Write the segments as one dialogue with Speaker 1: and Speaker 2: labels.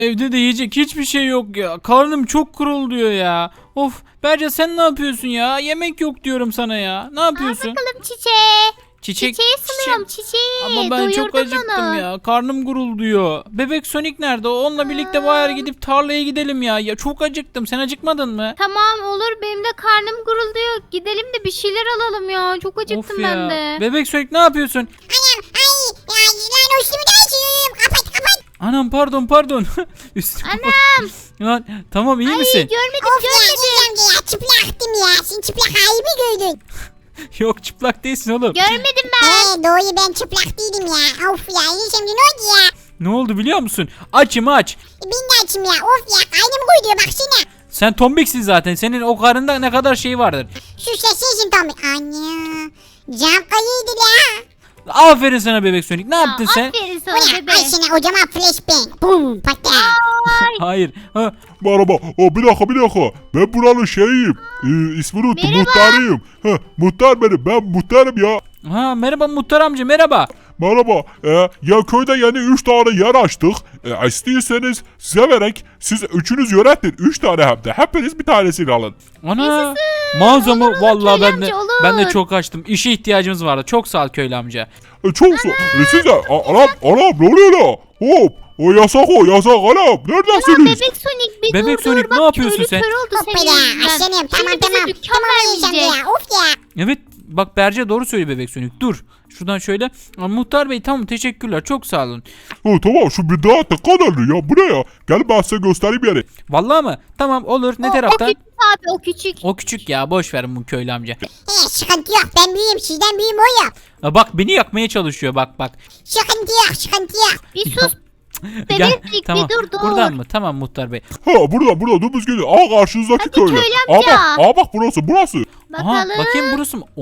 Speaker 1: Evde de yiyecek hiçbir şey yok ya. Karnım çok kuruluyor ya. Of Berce sen ne yapıyorsun ya? Yemek yok diyorum sana ya. Ne yapıyorsun?
Speaker 2: Bakalım çiçeği.
Speaker 1: Çiçek.
Speaker 2: Çiçeği ısınıyorum çiçeği.
Speaker 1: Ama ben çok
Speaker 2: Doyurdum
Speaker 1: acıktım
Speaker 2: onu.
Speaker 1: ya. Karnım gurulduyor. Bebek Sonic nerede? Onunla birlikte bayar gidip tarlaya gidelim ya. Ya çok acıktım. Sen acıkmadın mı?
Speaker 2: Tamam olur benim de karnım gurulduyor. Gidelim de bir şeyler alalım ya. Çok acıktım
Speaker 1: Of ya.
Speaker 2: ben de.
Speaker 1: Bebek Sonic ne yapıyorsun?
Speaker 3: Anam ay ya lan üstümü değiştiriyorum. Kapat.
Speaker 1: Anam pardon. Üstüme
Speaker 2: Anam.
Speaker 1: Lan tamam iyi misin?
Speaker 2: Görmedim
Speaker 3: Of ya İlhan amca ya çıplaktım ya. Sen çıplak halimi gördün.
Speaker 1: Yok çıplak değilsin oğlum.
Speaker 2: Görmedim ben.
Speaker 3: He doğru ben çıplak değilim ya. Of ya İlhan amca ne oldu ya?
Speaker 1: Ne oldu biliyor musun? Açım aç.
Speaker 3: Ben de açım ya. Of ya karnım koyuyor baksana.
Speaker 1: Sen tombiksin zaten. Senin o karında ne kadar şey vardır.
Speaker 3: Şu sesin tam. Anne. Cam kayıydı la.
Speaker 1: Aferin sana Bebek Sonic. Ne yaptın sen?
Speaker 2: Aferin
Speaker 3: Bu
Speaker 2: sana
Speaker 3: ne?
Speaker 2: bebe.
Speaker 3: Ay sana kocaman flashbang. Bum patla.
Speaker 1: Hayır. Ha,
Speaker 4: Merhaba. Bir dakika. Ben buranın şeyiyim. İsmini unuttum.
Speaker 2: Merhaba.
Speaker 4: Muhtarıyım. Muhtar benim. Ben muhtarım ya.
Speaker 1: merhaba Muhtar amca merhaba.
Speaker 4: Merhaba. Ya köyde yeni 3 tane yer açtık. İstiyorsanız size verek. Siz üçünüz yönetin. 3 tane hem de. Hepiniz bir tanesini alın.
Speaker 1: Ana mağazamı
Speaker 2: Olur,
Speaker 1: vallahi
Speaker 2: köylü
Speaker 1: ben de
Speaker 2: amca, olur.
Speaker 1: ben de çok açtım. İşe ihtiyacımız vardı. Çok sağ ol köylü amca.
Speaker 4: Çok sağ. Size. Anam ne oluyor la? Hop. O yasak anam. Neredesiniz?
Speaker 2: Bebek Sonic bir
Speaker 1: Bebek
Speaker 2: dur
Speaker 1: Sonic,
Speaker 2: bak,
Speaker 1: ne yapıyorsun
Speaker 2: köylü
Speaker 1: sen?
Speaker 2: kör oldu senin
Speaker 3: Hoppala.
Speaker 2: yüzünden.
Speaker 3: Aslanım
Speaker 2: Şimdi
Speaker 3: tamam.
Speaker 2: bize dükkan
Speaker 3: Tamam İlhan
Speaker 2: vermeyecek.
Speaker 3: amca ya. Of ya.
Speaker 1: Evet bak Berce doğru söylüyor Bebek Sonic. Dur. Şuradan şöyle. Muhtar Bey tamam teşekkürler. Çok sağ olun.
Speaker 4: Tamam şu bir daha ne kadarlı ya? Bu ne ya? Gelin ben size göstereyim yeri.
Speaker 1: Vallahi mı? Tamam olur. Ne
Speaker 2: O
Speaker 1: taraftan?
Speaker 2: küçük abi o küçük.
Speaker 1: O küçük ya. Boş verin bu köylü amca.
Speaker 3: Sıkıntı yok. Ben büyüğüm. Sizden büyüğüm o ya.
Speaker 1: Bak beni yakmaya çalışıyor bak.
Speaker 3: Sıkıntı yok.
Speaker 2: Bir sus.
Speaker 1: Gel,
Speaker 2: Bebek Sonic
Speaker 1: tamam.
Speaker 2: bir dur.
Speaker 1: Buradan mı? Tamam Muhtar Bey.
Speaker 4: Burada dümdüz geliyor. Karşınızdaki
Speaker 2: Hadi
Speaker 4: köylü.
Speaker 2: köylü
Speaker 4: Bak,
Speaker 2: amca.
Speaker 4: bak burası.
Speaker 2: Bakalım.
Speaker 1: Bakayım burası mı?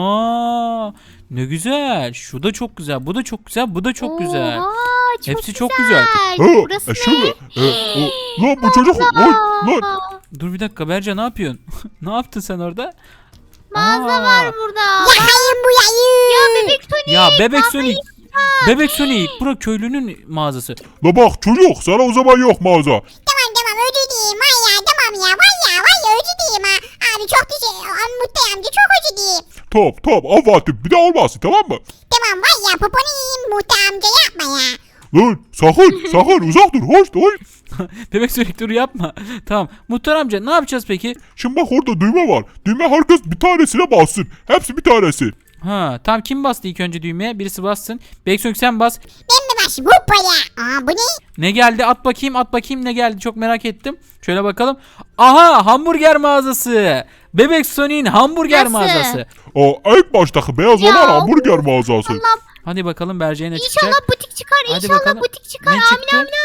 Speaker 1: Ana! Ne güzel. Şu da çok güzel. Bu da çok güzel. Bu da çok güzel.
Speaker 2: Oha,
Speaker 1: Hepsi çok güzel.
Speaker 2: Burası ne?
Speaker 4: Şimdi. Lan bu çocuk. Lan.
Speaker 1: Dur bir dakika Berca ne yapıyorsun? Ne yaptın sen orada?
Speaker 2: Mağaza
Speaker 1: Aa.
Speaker 2: var burada.
Speaker 3: Yayın bu yayın.
Speaker 2: Ya Bebek Sonic.
Speaker 1: Ya Bebek
Speaker 2: mağazayı-
Speaker 1: Sonic. Bebek Sonic. Bura köylünün mağazası.
Speaker 4: La bak çocuk sana o zaman yok mağaza.
Speaker 3: Tamam özür dileyim. Vay ya tamam ya. Vay ya özür dileyim ha. Abi çok teşekkür. Mutlu amca çok özür dileyim.
Speaker 4: Tamam afatım bir daha olmasın tamam mı?
Speaker 3: Tamam vay ya poponu yiyeyim Mutlu amca yapma ya.
Speaker 4: Lan sakın uzak dur hoş.
Speaker 1: Bebek Sonic dur yapma. Tamam. Muhtar amca ne yapacağız peki?
Speaker 4: Şimdi bak orada düğme var. Düğme herkes bir tanesine bassın. Hepsi bir tanesi.
Speaker 1: Ha tamam kim bastı ilk önce düğmeye? Birisi bassın. Bebek Sonic sen bas.
Speaker 3: Ben mi başım hoppala. Bu ne?
Speaker 1: Ne geldi? At bakayım ne geldi? Çok merak ettim. Şöyle bakalım. Aha hamburger mağazası. Bebek Sonic'in hamburger
Speaker 2: Nasıl?
Speaker 1: mağazası.
Speaker 4: İlk baştaki beyaz
Speaker 2: Ya,
Speaker 4: olan hamburger mağazası.
Speaker 2: Allah,
Speaker 1: Hadi bakalım Berce'ye ne çıkacak?
Speaker 2: İnşallah butik çıkar.
Speaker 1: Hadi
Speaker 2: İnşallah
Speaker 1: bakalım.
Speaker 2: butik çıkar.
Speaker 1: Ne çıktı?
Speaker 2: Amin.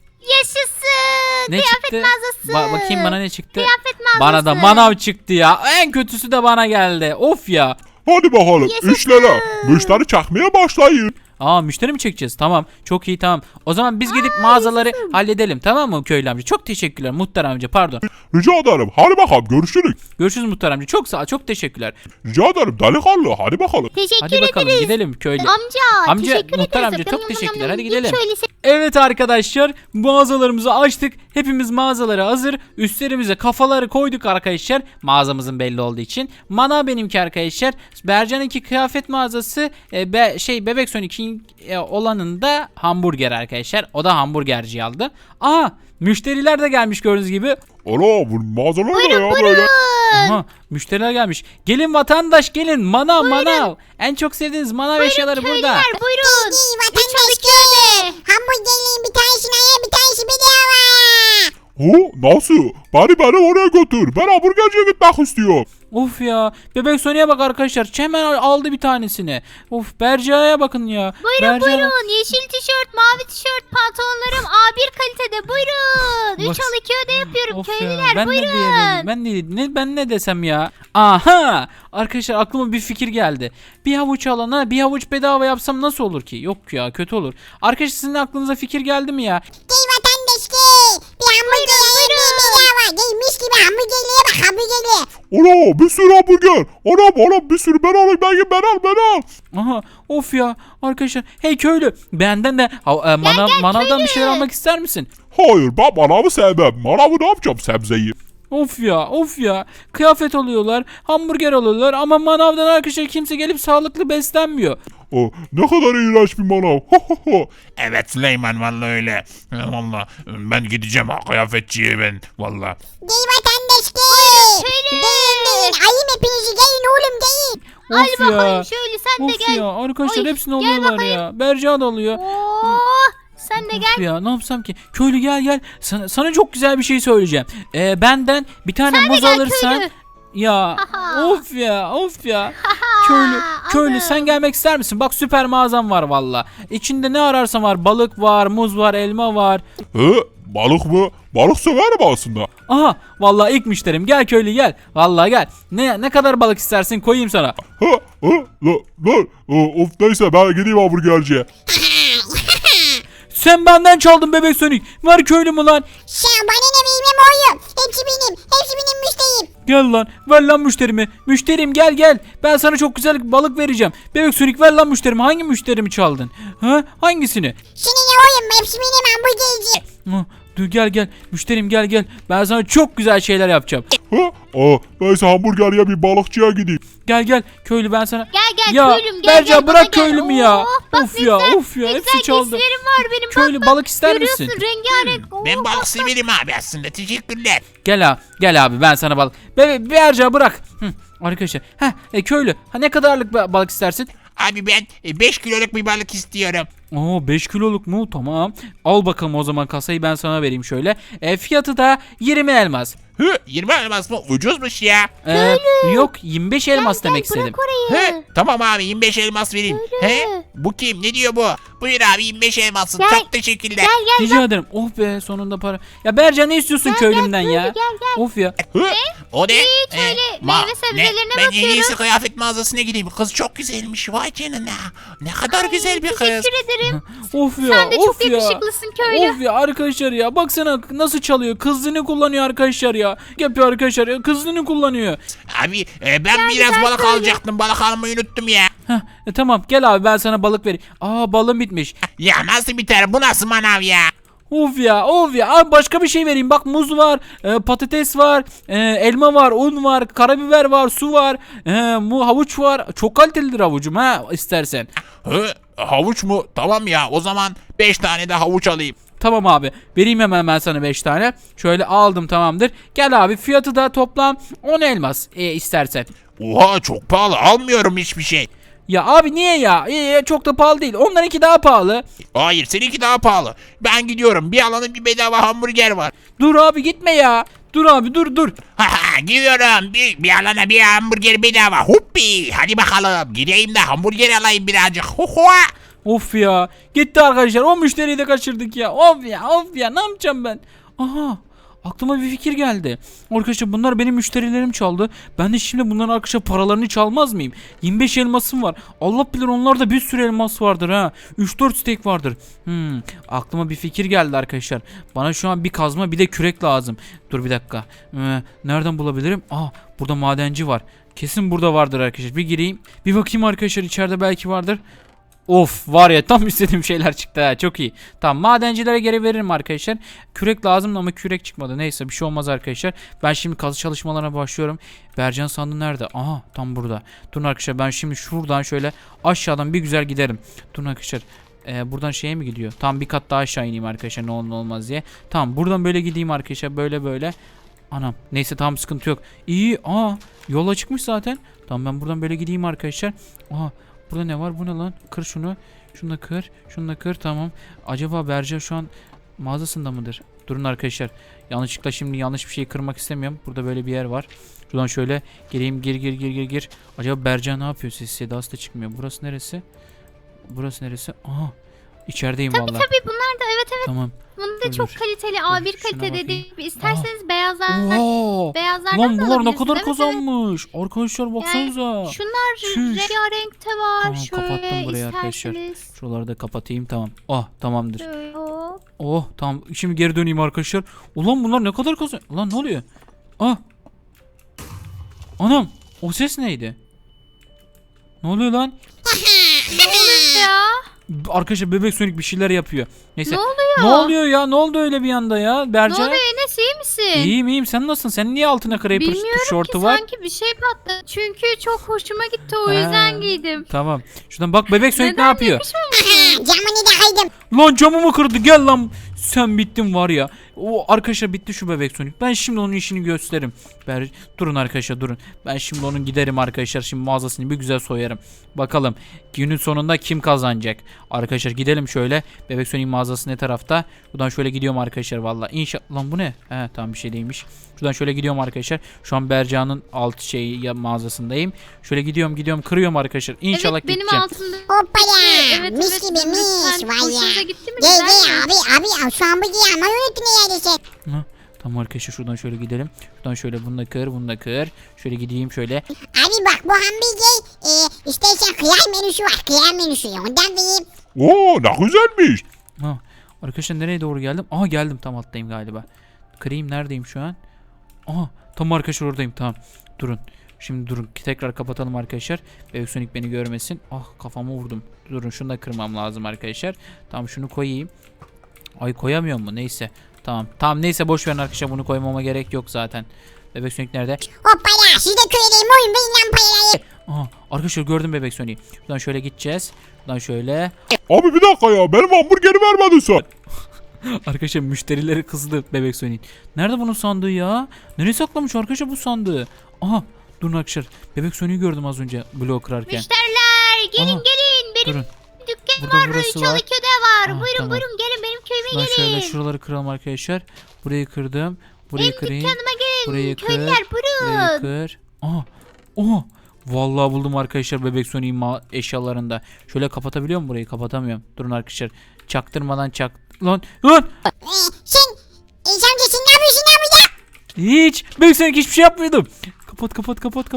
Speaker 2: Yaşasın.
Speaker 1: Ne
Speaker 2: Kıyafet
Speaker 1: çıktı?
Speaker 2: mağazası.
Speaker 1: Bakayım bana ne çıktı?
Speaker 2: Kıyafet mağazası.
Speaker 1: Bana da manav çıktı ya. En kötüsü de bana geldi. Of ya.
Speaker 4: Hadi bakalım
Speaker 2: Yaşasın.
Speaker 4: işlere. Müşteri çakmaya başlayın.
Speaker 1: Müşteri mi çekeceğiz? Tamam. Çok iyi tamam. O zaman biz gidip mağazaları halledelim. Tamam mı köylü amca? Çok teşekkürler. Muhtar amca pardon.
Speaker 4: Rica ederim. Hadi bakalım görüşürüz.
Speaker 1: Görüşürüz Muhtar amca. Çok sağ ol. Çok teşekkürler.
Speaker 4: Rica ederim delikanlı. Hadi bakalım.
Speaker 2: Teşekkür
Speaker 1: Hadi bakalım
Speaker 2: ederiz.
Speaker 1: gidelim köylü.
Speaker 2: Amca
Speaker 1: Muhtar
Speaker 2: teşekkür ederiz.
Speaker 1: amca çok teşekkürler. Hadi
Speaker 2: Yiyeyim
Speaker 1: gidelim.
Speaker 2: şöyle
Speaker 1: Evet arkadaşlar mağazalarımızı açtık. Hepimiz mağazaları hazır. Üstlerimize kafaları koyduk arkadaşlar. Mağazamızın belli olduğu için. Mana benimki arkadaşlar. Bercan'ınki kıyafet mağazası. Bebek Sonic'in olanında hamburger arkadaşlar. O da hamburgerci aldı. Müşteriler de gelmiş gördüğünüz gibi.
Speaker 4: Ana bu mağazalar ne ya böyle?
Speaker 1: Aha, müşteriler gelmiş. Gelin vatandaş gelin. Manav. En çok sevdiğiniz manav eşyaları burada.
Speaker 2: Köylüler buyurun.
Speaker 3: İyi vatandaş ki. Hamburgerliğin bir tanesini ye bir tanesi bedava.
Speaker 4: Nasıl? Beni oraya götür. Ben hamburgerciye gitmek istiyorum.
Speaker 1: Of ya. Bebek Sonic'e bak arkadaşlar. Hemen aldı bir tanesini. Of Berca'ya bakın ya.
Speaker 2: Buyurun buyurun. Yeşil tişört, mavi tişört, pantolonlarım A1 kalitede. Buyurun. 3
Speaker 1: Bak-
Speaker 2: al 2 öde yapıyorum.
Speaker 1: Of ya,
Speaker 2: Köylüler
Speaker 1: ben
Speaker 2: buyurun.
Speaker 1: ne diyebilirim? Ben ne desem ya? Aha! Arkadaşlar aklıma bir fikir geldi. Bir havuç alana bir havuç bedava yapsam nasıl olur ki? Yok ya kötü olur. Arkadaşlar sizin aklınıza fikir geldi mi ya?
Speaker 3: Gel vatandaş ki. Bir hamburger ye bir bedava. Gel mis gibi hamburgerliğe bak hamburgerliğe.
Speaker 4: Ana bir sürü hamburger. Anam bir sürü ben alayım ben al.
Speaker 1: Aha of ya arkadaşlar. Hey köylü benden de manavdan bir şeyler almak ister misin?
Speaker 4: Hayır ben manavı sevmem. Manavı ne yapacağım sebzeyi?
Speaker 1: Of ya. Kıyafet alıyorlar, hamburger alıyorlar ama manavdan arkadaşlar kimse gelip sağlıklı beslenmiyor.
Speaker 4: Ne kadar iğrenç bir manav.
Speaker 5: Evet Süleyman vallahi öyle. Vallahi ben gideceğim ha kıyafetçiye ben vallahi.
Speaker 3: Giy vatandaş giy.
Speaker 2: Şöyle.
Speaker 3: Giyin. Ayım hepinizi giyin oğlum giyin.
Speaker 2: Al
Speaker 1: Of
Speaker 2: bakalım
Speaker 1: ya.
Speaker 2: şöyle sen de
Speaker 1: Of
Speaker 2: gel.
Speaker 1: ya arkadaşlar
Speaker 2: Oy,
Speaker 1: hepsini
Speaker 2: gel
Speaker 1: alıyorlar
Speaker 2: bakayım.
Speaker 1: ya. Berca da alıyor.
Speaker 2: Sen de
Speaker 1: Of
Speaker 2: gel.
Speaker 1: ya ne yapsam ki? Köylü gel. Sana çok güzel bir şey söyleyeceğim. Benden bir tane
Speaker 2: Sen de
Speaker 1: muz
Speaker 2: gel
Speaker 1: alırsan.
Speaker 2: köylü.
Speaker 1: Ya
Speaker 2: Haha.
Speaker 1: of ya. Köylü
Speaker 2: Anam.
Speaker 1: sen gelmek ister misin? Bak süper mağazam var valla. İçinde ne ararsan var. Balık var, muz var, elma var.
Speaker 4: Balık mı? Balık severim aslında.
Speaker 1: Aha vallahi ilk müşterim. Gel köylü gel. Vallahi gel. Ne kadar balık istersin koyayım sana.
Speaker 4: Of neyse ben gideyim hamburgerciye.
Speaker 1: Sen benden çaldın bebek Sonic. Ver köylü mü lan?
Speaker 3: Sen bana ne bilmem oğlum. Hepsi benim. Hepsi benim müşteriyim.
Speaker 1: Gel lan. Ver lan müşterimi. Müşterim gel. Ben sana çok güzel balık vereceğim. Bebek Sonic ver lan müşterimi. Hangi müşterimi çaldın? Ha? Hangisini?
Speaker 3: Senin ne oğlum? Hepsi benim hamburgerci.
Speaker 1: Dur gel. Müşterim gel. Ben sana çok güzel şeyler yapacağım.
Speaker 4: Neyse hamburger ya bir balıkçıya gideyim.
Speaker 1: Gel köylü ben sana.
Speaker 2: Gel
Speaker 1: Ya
Speaker 2: köylüm gel.
Speaker 1: Berca
Speaker 2: gel,
Speaker 1: bırak
Speaker 2: bana gel.
Speaker 1: köylümü ya.
Speaker 2: Oh, bak
Speaker 1: Of
Speaker 2: ne
Speaker 1: ya
Speaker 2: güzel, ne
Speaker 1: hepsi
Speaker 2: güzel
Speaker 1: çaldı.
Speaker 2: giysilerim var benim.
Speaker 1: Köylü
Speaker 2: bak,
Speaker 1: balık ister
Speaker 2: görüyorsun,
Speaker 1: misin?
Speaker 2: rengarenk.
Speaker 5: Ben
Speaker 2: Oh,
Speaker 5: balık severim abi aslında teşekkürler.
Speaker 1: Gel abi ben sana balık. Berca bırak. Arkadaşlar. Köylü. Ne kadarlık balık istersin?
Speaker 5: Abi ben 5 kiloluk bir balık istiyorum.
Speaker 1: 5 kiloluk mu? Tamam. Al bakalım o zaman kasayı ben sana vereyim şöyle. Fiyatı da 20 elmas.
Speaker 5: 20 elmas mı? Ucuzmuş ya.
Speaker 1: Yok 25 elmas demek istedim.
Speaker 2: Bırak orayı.
Speaker 5: Tamam abi 25 elmas vereyim.
Speaker 2: Öyle.
Speaker 5: Bu kim? Ne diyor bu? Buyur abi 25 elmasın.
Speaker 2: Gel.
Speaker 5: Çok teşekkürler.
Speaker 2: Gel
Speaker 1: Rica ederim. Oh be sonunda para. Ya Berca ne istiyorsun köylümden ya?
Speaker 2: gel.
Speaker 1: Of ya.
Speaker 5: O ne?
Speaker 2: Hiç öyle meyve sebzelerine
Speaker 5: Ben en
Speaker 2: bakıyorum.
Speaker 5: iyisi kıyafet mağazasına gideyim. Kız çok güzelmiş. Vay canına. Ne kadar güzel bir kız.
Speaker 2: Teşekkür ederim.
Speaker 1: Of ya.
Speaker 2: Sen de
Speaker 1: of
Speaker 2: çok
Speaker 1: ya.
Speaker 2: yakışıklısın köylü.
Speaker 1: Of ya arkadaşlar ya baksana nasıl çalıyor. Kızını kullanıyor arkadaşlar ya. Yapıyor arkadaşlar ya kızını kullanıyor.
Speaker 5: Abi ben biraz
Speaker 2: güzel
Speaker 5: balık
Speaker 2: söyle.
Speaker 5: alacaktım. Balık almayı unuttum ya.
Speaker 1: Tamam gel abi ben sana balık vereyim. Balım bitmiş.
Speaker 5: Ya nasıl biter? Bu nasıl manav ya?
Speaker 1: Of ya abi başka bir şey vereyim bak muz var, patates var, elma var, un var, karabiber var, su var, havuç var, çok kalitelidir havucum istersen.
Speaker 5: Havuç mu? Tamam ya o zaman 5 tane de havuç alayım.
Speaker 1: Tamam abi vereyim hemen ben sana 5 tane şöyle aldım tamamdır. Gel abi fiyatı da toplam 10 elmas istersen.
Speaker 5: Oha çok pahalı almıyorum hiçbir şey.
Speaker 1: Ya abi niye ya? Çok da pahalı değil. Onlarınki daha pahalı.
Speaker 5: Hayır seninki daha pahalı. Ben gidiyorum bir alanın bir bedava hamburger var.
Speaker 1: Dur abi gitme ya. Dur abi dur.
Speaker 5: Haha gidiyorum bir alana bir hamburger bedava. Huppi hadi bakalım gideyim de hamburger alayım birazcık. Huhua.
Speaker 1: Of ya. Gitti arkadaşlar. O müşteriyi de kaçırdık ya. Of ya. Ne yapacağım ben? Aha. Aklıma bir fikir geldi. Arkadaşlar bunlar benim müşterilerim çaldı. Ben de şimdi bunların arkadaşlar paralarını çalmaz mıyım? 25 elmasım var. Allah bilir onlarda bir sürü elmas vardır ha. 3-4 steak vardır. Aklıma bir fikir geldi arkadaşlar. Bana şu an bir kazma bir de kürek lazım. Dur bir dakika. Nereden bulabilirim? Burada madenci var. Kesin burada vardır arkadaşlar. Bir gireyim. Bir bakayım arkadaşlar içeride belki vardır. Of var ya tam istediğim şeyler çıktı ha çok iyi. Tamam madencilere geri veririm arkadaşlar. Kürek lazım ama kürek çıkmadı. Neyse bir şey olmaz arkadaşlar. Ben şimdi kazı çalışmalarına başlıyorum. Bercan sandığı nerede? Aha tam burada. Durun arkadaşlar ben şimdi şuradan şöyle aşağıdan bir güzel giderim. Durun arkadaşlar. Buradan şeye mi gidiyor? Tam bir kat daha aşağı ineyim arkadaşlar ne olur ne olmaz diye. Tamam buradan böyle gideyim arkadaşlar böyle. Anam neyse tamam sıkıntı yok. İyi yola çıkmış zaten. Tamam ben buradan böyle gideyim arkadaşlar. Burada ne var? Bu ne lan? Kır şunu. Şunu da kır. Şunu da kır. Tamam. Acaba Berca şu an mağazasında mıdır? Durun arkadaşlar. Yanlışlıkla şimdi yanlış bir şey kırmak istemiyorum. Burada böyle bir yer var. Şuradan şöyle gireyim. Gir. Acaba Berca ne yapıyor? Ses sedası da çıkmıyor. Burası neresi? İçerideyim vallahi.
Speaker 2: Tabii bunlar da evet.
Speaker 1: Tamam.
Speaker 2: Bunun da
Speaker 1: Dur,
Speaker 2: çok
Speaker 1: dur.
Speaker 2: kaliteli
Speaker 1: Dur,
Speaker 2: A1
Speaker 1: şuna
Speaker 2: kalitede
Speaker 1: bakayım.
Speaker 2: değil. İsterseniz beyazlardan
Speaker 1: Oha!
Speaker 2: beyazlardan
Speaker 1: Lan
Speaker 2: da
Speaker 1: bunlar ne
Speaker 2: alabilirsiniz.
Speaker 1: kadar
Speaker 2: Evet,
Speaker 1: kazanmış. Arkadaşlar baksanıza.
Speaker 2: evet. Şunlar
Speaker 1: Çüş.
Speaker 2: rengarenkte var.
Speaker 1: Tamam,
Speaker 2: Şöyle
Speaker 1: kapattım burayı arkadaşlar.
Speaker 2: isterseniz.
Speaker 1: Şuraları da kapatayım tamam. Tamamdır.
Speaker 2: Şöyle hop.
Speaker 1: Tamam şimdi geri döneyim arkadaşlar. Ulan bunlar ne kadar kazan... Ulan ne oluyor? Anam o ses neydi? Ne oluyor lan?
Speaker 2: Ne oluyor ya?
Speaker 1: Arkadaşlar bebek Sonic bir şeyler yapıyor. Neyse.
Speaker 2: Ne oluyor?
Speaker 1: Ne oluyor ya? Ne oldu öyle bir anda ya?
Speaker 2: Ne
Speaker 1: Berca.
Speaker 2: oluyor Enes, iyi misin?
Speaker 1: İyiyim iyiyim. Sen nasılsın? Sen niye altına Creeper
Speaker 2: Bilmiyorum
Speaker 1: tişörtü
Speaker 2: ki
Speaker 1: var?
Speaker 2: sanki bir şey patladı. Çünkü çok hoşuma gitti, o
Speaker 1: Ha.
Speaker 2: yüzden giydim.
Speaker 1: Tamam. Şuradan bak bebek Sonic ne
Speaker 2: Neden
Speaker 1: yapıyor?
Speaker 2: yakışmamış?
Speaker 3: Aha camını da kaydım.
Speaker 1: Lan camımı kırdı. Gel lan. Sen bittin var ya. O arkadaşlar bitti şu bebek Sonic. Ben şimdi onun işini gösteririm. Durun arkadaşlar durun. Ben şimdi onun giderim arkadaşlar. Şimdi mağazasını bir güzel soyarım. Bakalım günün sonunda kim kazanacak? Arkadaşlar gidelim şöyle. Bebek Sonic mağazası ne tarafta? Buradan şöyle gidiyorum arkadaşlar valla. İnşallah. Lan bu ne? He tamam bir şey değilmiş. Şuradan şöyle gidiyorum arkadaşlar. Şu an Berca'nın alt mağazasındayım. Şöyle gidiyorum kırıyorum arkadaşlar. İnşallah
Speaker 2: Evet, benim
Speaker 1: gideceğim.
Speaker 2: altımda.
Speaker 3: Hoppala.
Speaker 2: Evet,
Speaker 3: Mis
Speaker 2: evet,
Speaker 3: gibi
Speaker 2: lütfen.
Speaker 3: mis vay
Speaker 2: Hoşunuza
Speaker 3: ya.
Speaker 2: gitti mi?
Speaker 3: Gel
Speaker 2: Güzel mi?
Speaker 3: gel abi şu an bu giyanmayı unuttun neredeyse.
Speaker 1: Ha, tamam arkadaşlar şuradan şöyle gidelim. Şuradan şöyle bunu da kır. Şöyle gideyim şöyle.
Speaker 3: Abi bak bu hamburger istersen kıyar menüsü var. Kıyar menüsü ondan vereyim.
Speaker 4: Oo ne güzelmiş.
Speaker 1: Ha, arkadaşlar nereye doğru geldim? Aha geldim tam alttayım galiba. Kırayım neredeyim şu an? Aha tam arkadaşlar oradayım tamam. Durun. Şimdi durun tekrar kapatalım arkadaşlar. Bebek Sonic beni görmesin. Ah kafama vurdum. Durun şunu da kırmam lazım arkadaşlar. Tamam şunu koyayım. Ay koyamıyor mu? Neyse. Tamam neyse boş verin arkadaşlar bunu koymama gerek yok zaten. Bebek Sonic nerede?
Speaker 3: Hoppala siz de köyleyin oyun verin lan parayı.
Speaker 1: Aha arkadaşlar gördüm Bebek Sonic'i. Buradan şöyle gideceğiz. Buradan şöyle.
Speaker 4: Abi bir dakika ya benim hamburgeri vermedin sen.
Speaker 1: Arkadaşlar müşterileri kızdı Bebek Sonic. Nerede bunun sandığı ya? Nereye saklamış arkadaşlar bu sandığı? Aha durun arkadaşlar. Bebek Sonic'i gördüm az önce bloğu kırarken.
Speaker 2: Müşteriler gelin
Speaker 1: Aha,
Speaker 2: gelin. Benim
Speaker 1: Durun.
Speaker 2: dükkanım
Speaker 1: Burada
Speaker 2: var.
Speaker 1: burası var.
Speaker 2: Çalıköy'de var.
Speaker 1: Aa,
Speaker 2: Buyurun
Speaker 1: tamam.
Speaker 2: buyurun gelin benim köyüme
Speaker 1: Şuradan şöyle
Speaker 2: gelin.
Speaker 1: şuraları kıralım arkadaşlar. Burayı kırdım. Burayı kırayım.
Speaker 2: Dükkanıma gelin.
Speaker 1: Burayı kır.
Speaker 2: Köylüler
Speaker 1: Burayı
Speaker 2: buyurun.
Speaker 1: kır. Aha. Oha. Vallahi buldum arkadaşlar Bebek Sonic'in eşyalarında. Şöyle kapatabiliyor muyum burayı? Kapatamıyorum. Durun arkadaşlar. Çaktırmadan Lan.
Speaker 3: Sen amca sen ne yapıyorsun lan burada?
Speaker 1: Hiç. Bebek Sonic hiçbir şey yapmıyordum. Kapat.
Speaker 2: Gelin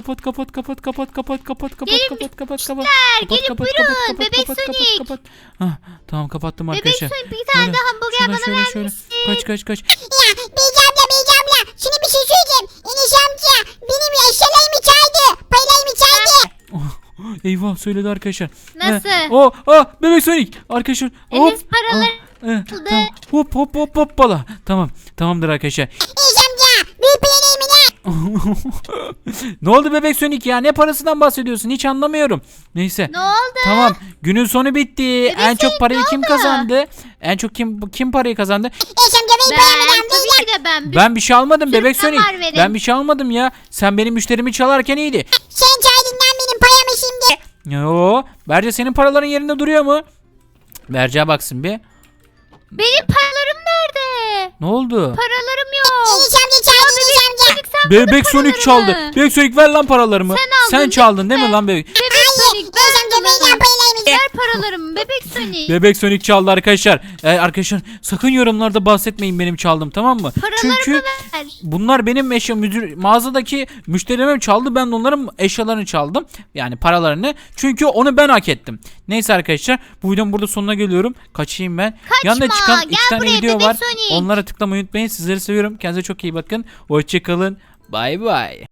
Speaker 2: buyurun. Bebek Sonic.
Speaker 1: Tamam kapattım
Speaker 2: Bebek
Speaker 1: arkadaşlar.
Speaker 2: Sonic bir tane
Speaker 1: Şöyle,
Speaker 2: de hamburger bana vermişsin.
Speaker 1: Kaç.
Speaker 3: Ya Beyci abla şimdi bir şey söyleyeceğim. Enes amca benim eşyalarımı çaldı. Paylarımı çaldı.
Speaker 1: Eyvah söyledi arkadaşlar.
Speaker 2: Nasıl?
Speaker 1: Bebek Sonic arkadaşlar.
Speaker 2: Enes paraları
Speaker 1: Tamam. Hoppala. Tamamdır arkadaşlar.
Speaker 3: Enes amca büyük paylarımı ne?
Speaker 1: Ne oldu Bebek Sonic ya? Ne parasından bahsediyorsun? Hiç anlamıyorum. Neyse.
Speaker 2: Ne oldu?
Speaker 1: Tamam. Günün sonu bitti. En çok
Speaker 2: Sonic,
Speaker 1: parayı
Speaker 2: ne
Speaker 1: kim
Speaker 2: oldu?
Speaker 1: kazandı? En çok kim parayı kazandı?
Speaker 3: Enes amca benim paylarımı
Speaker 2: Ben
Speaker 3: ne?
Speaker 2: tabii ki de ben.
Speaker 1: Ben bir şey almadım Bebek
Speaker 2: Sürpriz
Speaker 1: Sonic.
Speaker 2: var verin.
Speaker 1: Ben bir şey almadım ya. Sen benim müşterimi çalarken iyiydi.
Speaker 3: Sen çaldın lan benim payımı şimdi.
Speaker 1: Yo. Berce senin paraların yerinde duruyor mu? Berce'ye baksın bir.
Speaker 2: Benim paralarım nerede?
Speaker 1: Ne oldu?
Speaker 2: Paralarım yok.
Speaker 3: Enes amca çaldı Enes amca.
Speaker 2: Sen
Speaker 1: Bebek
Speaker 2: bana
Speaker 1: Sonic
Speaker 2: paralarımı.
Speaker 1: çaldı. Bebek Sonic ver lan paralarımı.
Speaker 2: Sen aldın,
Speaker 1: çaldın değil mi
Speaker 2: değil mi?
Speaker 1: lan bebek?
Speaker 2: Bebek Sonic
Speaker 3: Enes amca benim
Speaker 2: ver.
Speaker 3: paylarımı.
Speaker 2: Ver paralarımı Bebek Sonic.
Speaker 1: Bebek Sonic çaldı arkadaşlar. Arkadaşlar sakın yorumlarda bahsetmeyin benim çaldım tamam mı?
Speaker 2: Paralarımı
Speaker 1: Çünkü
Speaker 2: ver.
Speaker 1: bunlar benim mağazadaki müşterilerim çaldı. Ben de onların eşyalarını çaldım. Yani paralarını. Çünkü onu ben hak ettim. Neyse arkadaşlar bu videonun burada sonuna geliyorum. Kaçayım ben.
Speaker 2: Kaçma,
Speaker 1: Yanında çıkan
Speaker 2: gel
Speaker 1: 2 tane
Speaker 2: buraya
Speaker 1: video
Speaker 2: Bebek
Speaker 1: var.
Speaker 2: Sonic.
Speaker 1: Onlara tıklamayı unutmayın. Sizleri seviyorum. Kendinize çok iyi bakın. Hoşçakalın. Bay bay.